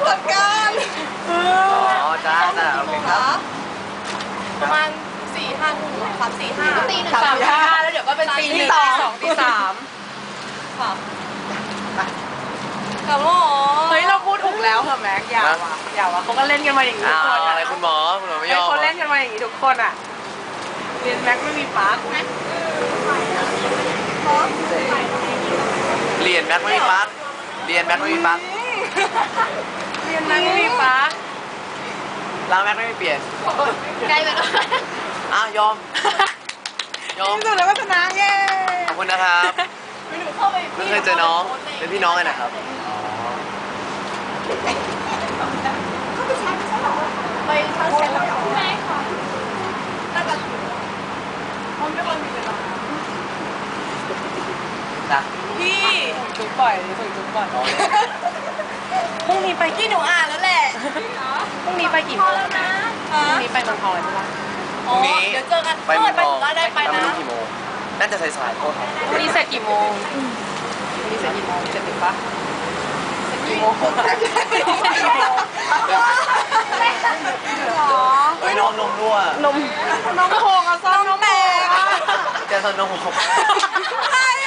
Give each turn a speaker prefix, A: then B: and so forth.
A: จัดการ
B: อ๋อจ้าโอเคครับ
A: ประมาณ4-5 ทุ่ม3-4-5
C: ตี
A: 3-4-5แล้วเดี๋ยวก็เป็นตี 1 ตี 2 ตี 3ค่ะกับหมอเฮ้ยเราพูดถูกแล้วเหรอแม็กอย่าว่ะเขาก็เล่นกันมาอย่างนี้ทุกคน
B: อะไรคุณหมอไม่ยอม
A: เขาเล่นกันมาอย่างนี้ทุกคนอ่ะเรียนแม็กไม่มีปาร์คไหม
B: เรียนแม็กไม่มีปาร์คเรียนแม็กไม่มีปาร์ค
A: เรียนแม็กไม่มีปาร์ค
B: แล้วแม็กไม่มีเปลี่ยน
C: ใกล้ไปแล้ว
B: ยอม
A: ที่สุดแล้วก็ชนะเย้
B: ขอบคุณนะครับไม่เคยเจอน้องเป็นพี่น้องกันนะครับ
A: ไปชาร์จเสร็จแล้วไม่ค่ะน่าจะมันไม่ควรมีเวลาพี่จุ๊บบ่อยส่งจุ๊บบ่อยพรุ่งนี้ไปกี่หนูอ่านแล้วแหละพรุ่งนี้ไปกี่โมงนะพรุ่งนี้ไปเมืองทองเลยใช่ปะ
B: พรุ่งนี้
A: เดี๋ยวเจอกัน
B: ไปเมืองทอง
A: ได้ไปนะ
B: ไม่รู้กี่โมงน่าจะสายๆโทษครับ
A: วันนี้เสร็จกี่โมงวันนี้เสร็จกี่โมงเสร็จถึงปะเสร็จกี่โมง
B: เฮ้ยน้องนมรั่วน
A: มโคกอะซ่อมนมแตก
B: จะซ่อมนมหก
A: ใช่